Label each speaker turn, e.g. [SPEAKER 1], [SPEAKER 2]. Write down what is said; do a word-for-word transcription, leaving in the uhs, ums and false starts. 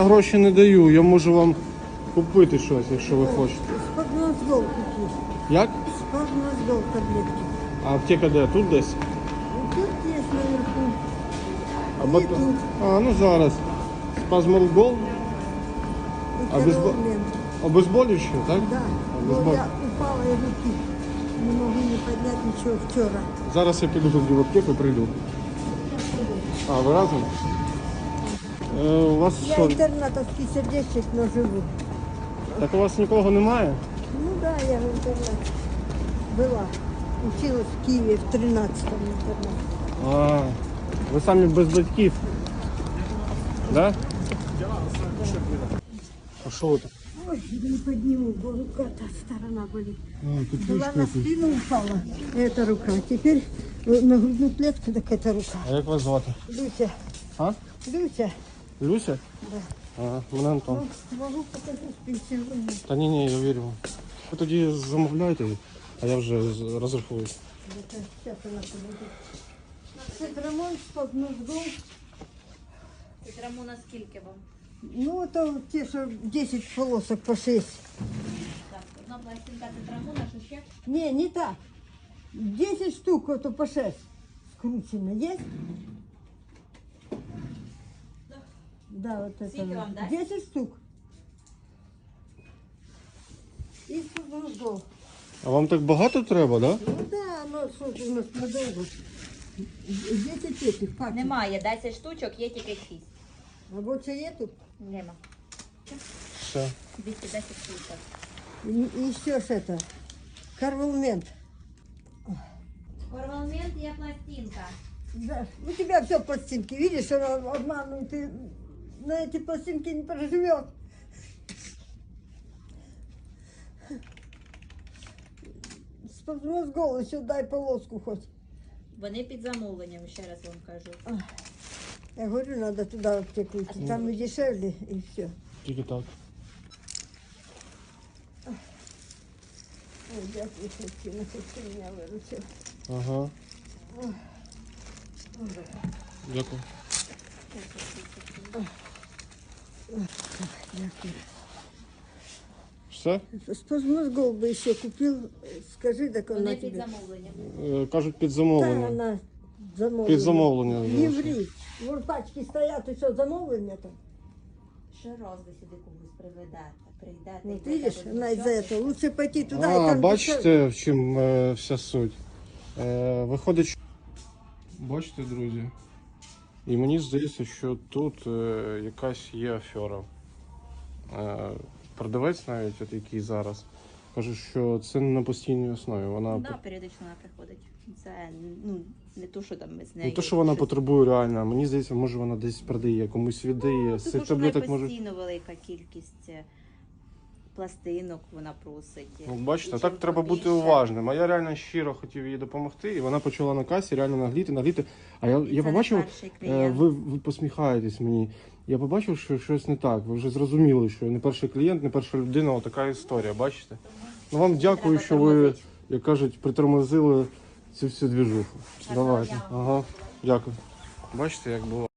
[SPEAKER 1] Гроші не даю, я можу вам купити щось, якщо ви хочете.
[SPEAKER 2] Спагнозгол купи.
[SPEAKER 1] Як?
[SPEAKER 2] Спагнозгол таблетки.
[SPEAKER 1] А аптека де? Тут десь?
[SPEAKER 2] Тут есть наверху.
[SPEAKER 1] А,
[SPEAKER 2] И
[SPEAKER 1] бат...
[SPEAKER 2] тут.
[SPEAKER 1] а ну зараз. Спазмолгол?
[SPEAKER 2] И
[SPEAKER 1] Обезбо...
[SPEAKER 2] Керолмент.
[SPEAKER 1] Обезболюще, так?
[SPEAKER 2] Да.
[SPEAKER 1] Обезбол...
[SPEAKER 2] Но я упала и руки. Не могу не поднять ничего вчера.
[SPEAKER 1] Зараз я піду тоді в аптеку, прийду. А, ви разом? Е, у вас
[SPEAKER 2] Я
[SPEAKER 1] що?
[SPEAKER 2] интернатовский сердечник, но живу.
[SPEAKER 1] Так у вас нікого немає?
[SPEAKER 2] Ну да, я в интернате была. Училась в Киеве в тринадцатом интернате.
[SPEAKER 1] А, ви самі без батьків? Да? А що ви так?
[SPEAKER 2] Ой, не подниму, бо рука та сторона болит.
[SPEAKER 1] А, тут
[SPEAKER 2] Была на спину упала, эта рука. Теперь на грудную клетку, так эта рука.
[SPEAKER 1] А як вас звати?
[SPEAKER 2] Люся,
[SPEAKER 1] А?
[SPEAKER 2] Люся.
[SPEAKER 1] Люся?
[SPEAKER 2] Да.
[SPEAKER 1] Ага, мене Антон.
[SPEAKER 2] Ну, могу показать пенсионную.
[SPEAKER 1] Та ні, ні, я вірю вам. Ви тоді замовляйте, а я вже з- розрахуюсь.
[SPEAKER 2] Это сейчас она подойдет. Цитрамон, спагнозгол.
[SPEAKER 3] Цитрамона скільки вам?
[SPEAKER 2] Ну, то те, что десять полосок по шесть.
[SPEAKER 3] Так, одна пластинка цитрамона, що ще?
[SPEAKER 2] Не, не так. десять штук, это по шесть. Скручено есть? Да, вот это.
[SPEAKER 3] Сколько вам дать?
[SPEAKER 2] десять штук. И спагнозгол.
[SPEAKER 1] А вам так багато треба, да?
[SPEAKER 2] Ну да, ну что ж у нас надолго. десять этих пачек.
[SPEAKER 3] Немає, десять штучок, є тільки шість.
[SPEAKER 2] А больше нету?
[SPEAKER 3] Нема.
[SPEAKER 1] Все.
[SPEAKER 3] двісті десять штучок.
[SPEAKER 2] И еще ж это. Карвелмент.
[SPEAKER 3] Корвалмент є пластинка.
[SPEAKER 2] Да. У тебя все пластинки. Видишь, она обманывает. Ты на эти пластинки не проживет. Спагнозгол, еще дай полоску хоть.
[SPEAKER 3] Вони під замовленням, ще раз вам кажу.
[SPEAKER 2] Я говорю, надо туда в аптеку идти. Там и дешевле, и все.
[SPEAKER 1] Тільки так.
[SPEAKER 2] Ой, дякую, Христина, хоть ты меня выручил.
[SPEAKER 1] Ага. Дякую.
[SPEAKER 2] Дякую.
[SPEAKER 1] Все?
[SPEAKER 2] Спагнозгол бы еще купил. Скажи, так он
[SPEAKER 3] Вони
[SPEAKER 2] на
[SPEAKER 3] під
[SPEAKER 2] тебе.
[SPEAKER 3] замовленням.
[SPEAKER 1] Е, Кажуть, під
[SPEAKER 2] Да,
[SPEAKER 1] замовлення.
[SPEAKER 2] она замовлена.
[SPEAKER 1] Під замовлення.
[SPEAKER 2] Не ври. Вон пачки стоят, и что, замовлення там?
[SPEAKER 3] Ще раз ви сюди когось приведете, прийдете.
[SPEAKER 2] Вот
[SPEAKER 3] і будете
[SPEAKER 2] видишь, она из-за
[SPEAKER 3] вивчати.
[SPEAKER 2] этого. Лучше пойти туда, и
[SPEAKER 1] А,
[SPEAKER 2] там
[SPEAKER 1] бачите, в чим е, вся суть. Е, виходить, що... Бачите, друзі? І мені здається, що тут е, якась є афера. Е, продавець навіть, от який зараз, каже, що це не на постійній основі. Вона
[SPEAKER 3] Да, періодично вона приходить. Це ну, не то, що там ми з нею.
[SPEAKER 1] не те, що вона
[SPEAKER 3] щось-
[SPEAKER 1] потребує реально. Мені здається, може вона десь продає, комусь віддає.
[SPEAKER 3] Ну,
[SPEAKER 1] З
[SPEAKER 3] тому
[SPEAKER 1] цих
[SPEAKER 3] що в неї
[SPEAKER 1] таблеток може.
[SPEAKER 3] постійно велика кількість е, пластинок вона просить.
[SPEAKER 1] Ну, бачите,
[SPEAKER 3] І
[SPEAKER 1] так
[SPEAKER 3] чим
[SPEAKER 1] треба бути
[SPEAKER 3] побільше-
[SPEAKER 1] уважним. А я реально щиро хотів їй допомогти, і вона почала на касі реально нагліти, нагліти. А я, я
[SPEAKER 3] Це не
[SPEAKER 1] побачив,
[SPEAKER 3] перший
[SPEAKER 1] е,
[SPEAKER 3] клієнт.
[SPEAKER 1] ви, ви посміхаєтесь мені. Я побачив, що щось не так. Ви вже зрозуміли, що я не перший клієнт, не перша людина, отака історія, бачите? Ну вам дякую,
[SPEAKER 3] Треба
[SPEAKER 1] що ви,
[SPEAKER 3] тормозити.
[SPEAKER 1] як кажуть, притормозили цю всю двіжуху.
[SPEAKER 3] Гарного
[SPEAKER 1] Давайте.
[SPEAKER 3] дня.
[SPEAKER 1] Ага, дякую. Бачите, як було.